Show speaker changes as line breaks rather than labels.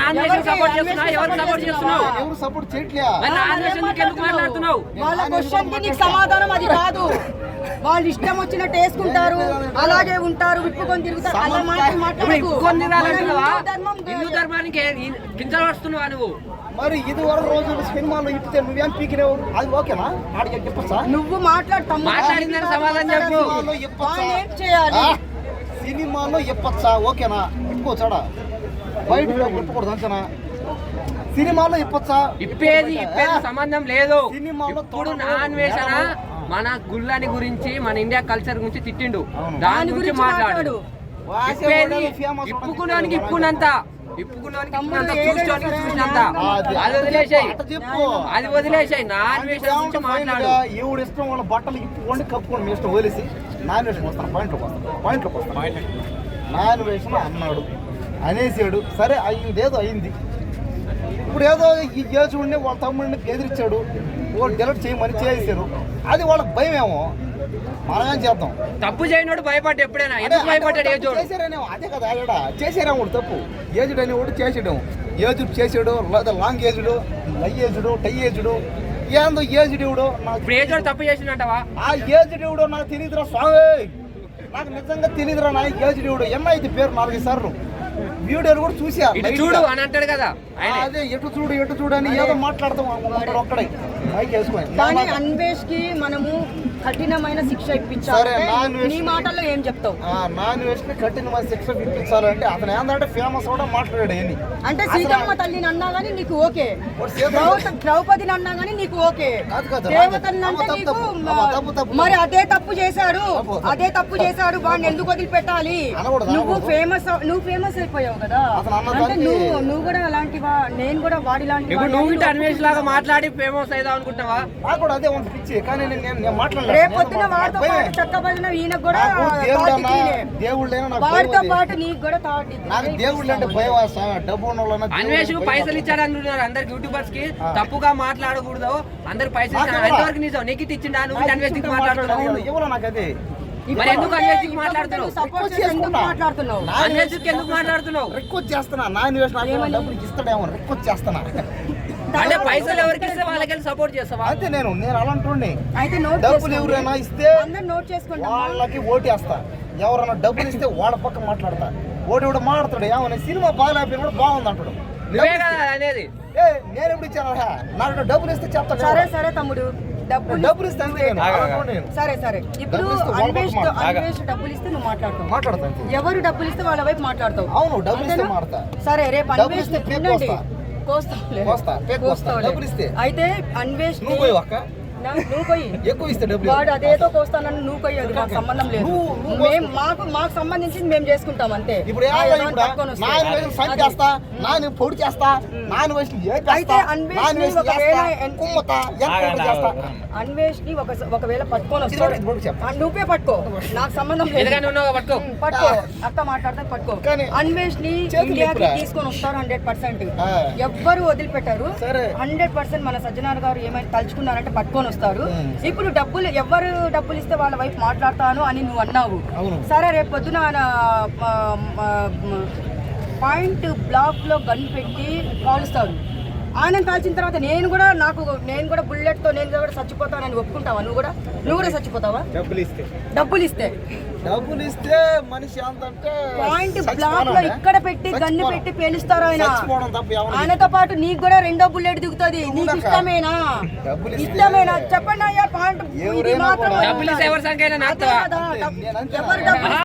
Nomination support చేస్తున్నా, ఎవరు support చేస్తున్నావు?
ఎవరు సపోర్ట్ చేయట్లే.
నామినేషన్ ఎందుకు మాట్లాడుతున్నావు?
వాళ్ళ క్వశ్చన్ కి నీకు సమాధానం అది కాదు. వాళ్ళు ఇష్టం వచ్చినట్టు వేసుకుంటారు, అలాగే ఉంటారు, విప్పుకొని తిరుగుతారు. అలా మాట్లాడకు.
హిందూ ధర్మానికి కించపరుస్తున్నావా నువ్వు?
మరి ఇది వరకు రోజు సినిమాలో ఇప్పితే నువ్వేం పీకినావు? అది ఓకేనా? ఆడికి చెప్పచ్చా?
నువ్వు
మాట్లాడిందని సమాధానం చెప్పు.
ఏం చేయాలి?
సినిమాలో ఇప్పచ్చా? ఓకేనా? ఇప్పుకోవచ్చాడా? బయట ఇప్పకూడదు అంతేనా? సినిమాలో ఇప్పచ్చా?
ఇప్పేది సంబంధం లేదు. ఇప్పుడు అన్వేషణ మన గుళ్ళని గురించి, మన ఇండియా కల్చర్ గురించి తిట్టిండు, దాని గురించి మాట్లాడు. ఇప్పుకున్నానికి ఇప్పుకున్నంత చూసినంత అది వదిలేసాయి. నా అన్వేషణ గురించి మాట్లాడు.
ఎవడు ఇష్టం వాళ్ళ బట్టలు ఇప్పుకోండి, కప్పుకోండి, మీ ఇష్టం వదిలేసి నా అన్వేషణ వస్తాను. పాయింట్లోకి వస్తాను. నా అన్వేషణ అన్నాడు, అనేసాడు, సరే అయిందేదో అయింది. ఇప్పుడు ఏదో ఈ యేసుడిని వాళ్ళ తమ్ముడిని ఎదిరించాడు, వాళ్ళు డెలిట్ చేయమని చేశారు. అది వాళ్ళకి భయం ఏమో, మనమేం చేద్దాం?
తప్పు చేయనోడు భయపడ్డా ఎప్పుడైనా? ఎందుకు భయపడ్డాడు?
చేశారనేమో, అదే కదా ఆడ చేశారేమో తప్పు. ఏజుడు అనేవాడు చేసాడు, ఏజుడు చేసాడు, లేదా లాంగ్ ఏజుడు, లై ఏజుడు, టై ఏజుడు, ఏందో ఏజుడు నాకు
ఏజుడు తప్పు చేసినట్టవా?
ఆ ఏజుడు నాకు తెలియదురా స్వామి, నాకు నిజంగా తెలియదురా నా ఏజుడు. ఏమైంది పేరు 4 సార్లు వీడియోలు కూడా చూసా.
చూడు అని అంటాడు కదా,
అదే ఎటు చూడు అని ఏదో మాట్లాడతాం ఒక్కడే మైక్ వేసుకొని.
కానీ అన్వేష్ కి మనము కఠినమైన శిక్ష ఇప్పించాలి. నీ మాటల్లో ఏం చెప్తావు?
నాన్ వేస్ట్ కఠినమైన శిక్ష ఇప్పించాలంటే అతను ఏంటంటే ఫేమస్ కూడా మాట్లాడాడు. ఏమి
అంటే సీతమ్మ తల్లిని అన్నా గానీ నీకు ఓకే, ద్రౌపదిని అన్నా గానీ నీకు ఓకే, దేవతని అంటే నీకు మరి అదే తప్పు చేశాడు వాడిని ఎందుకు వదిలిపెట్టాలి? నువ్వు ఫేమస్ అయిపోయావు కదా, అంటే నువ్వు కూడా అలాంటివా? నేను కూడా వాడి లాంటి.
నువ్వు అన్వేష్ లాగా మాట్లాడి ఫేమస్ అవుదాం అనుకుంటున్నావా?
నాకు కూడా అదే పిచ్చి, కానీ నేను మాట్లాడలేదు.
రేపొద్దున వాడితో పాటు చక్క భజన ఈయనకు కూడా వాడితో పాటు నీకు కూడా
నాకు దేవుళ్ళు అంటే భయం. డబ్బు
అన్వేష్ పైసలు ఇచ్చాడు అంటున్నారు అందరికి యూట్యూబర్స్ కి, తప్పుగా మాట్లాడకూడదు, అందరికి పైసలు ఇచ్చాడు. ఎంతవరకు నిజం? నీకు ఇచ్చిండా? నువ్వు అన్వేష్ మాట్లాడుతున్నావు?
ఇవ్వాలి నాకు అదే.
మరి ఎందుకు అన్వేష్ మాట్లాడుతున్నావు? అన్వేష్ ఎందుకు మాట్లాడుతున్నావు?
రిక్వెస్ట్ చేస్తున్నా, నా అన్వేష్ డబ్బులు ఇస్తాడేమో రిక్వెస్ట్ చేస్తున్నా.
అంటే పైసలు ఎవరికి ఇస్తే వాళ్ళకి సపోర్ట్ చేస్తావా?
అయితే నేను అలాంటి డబ్బులు ఎవరైనా ఇస్తే వాళ్ళకి ఓటేస్తా. ఎవరైనా డబ్బులు ఇస్తే వాళ్ళ పక్క మాట్లాడతా. ఓటు కూడా మాట్లాడతాడు, ఏమన్నా సినిమా బాగాలేకపోయినా కూడా బాగుంది అంటాడు.
అనేది
నేను ఎప్పుడు ఇచ్చాను? నాకు డబ్బులు ఇస్తే చెప్తాను.
సరే తమ్ముడు,
డబ్బులు ఇస్తే
సరే ఇప్పుడు అన్వేష్ డబ్బులు ఇస్తే నువ్వు మాట్లాడతావు. ఎవరు డబ్బులు ఇస్తే వాళ్ళ వైపు మాట్లాడతావు.
అవును, డబ్బులు ఇస్తే మాట్లాడతా.
సరే రేపు అన్వేష్ అయితే అన్వేష్ నువ్వు పోయి
ఎక్కువ ఇస్తే
వాడు అదేదో కోస్తానని నువ్వు పోయేది మాకు సంబంధం లేదు. మాకు సంబంధించింది మేము చేసుకుంటాం అంతే. అన్వేష్ ని ఒకవేళ పట్టుకొని వస్తాడు, నువ్వే పట్టుకో, నాకు సంబంధం లేదు. పట్టుకో, అక్క మాట్లాడితే పట్టుకో. అన్వేష్ ని ఇండియాకి తీసుకొని వస్తారు 100%. ఎవ్వరు వదిలిపెట్టారు 100%. మన సజ్జనార్ గారు ఏమైనా తలుచుకున్నారంటే పట్టుకొని వస్తారు. ఇప్పుడు ఎవరు డబ్బులు ఇస్తే వాళ్ళ వైపు మాట్లాడతాను అని నువ్వు అన్నావు. సరే రేపు పొద్దున పాయింట్ బ్లాక్ లో గన్ పెట్టి కాలుస్తారు. ఆయన కాల్చిన తర్వాత నేను కూడా బుల్లెట్ తో నేను కూడా చచ్చిపోతానని ఒప్పుకుంటావా? నువ్వు కూడా చచ్చిపోతావా?
డబ్బులు ఇస్తే మనిషి అంతంటే
పాయింట్ బ్లాక్ లో ఇక్కడ పెట్టి గన్ను పెట్టి పేలుస్తారు ఆయనతో పాటు నీకు కూడా 2వ బుల్లెట్ దిగుతుంది. నీకు ఇష్టమేనా? చెప్పండి అయ్యా. పాయింట్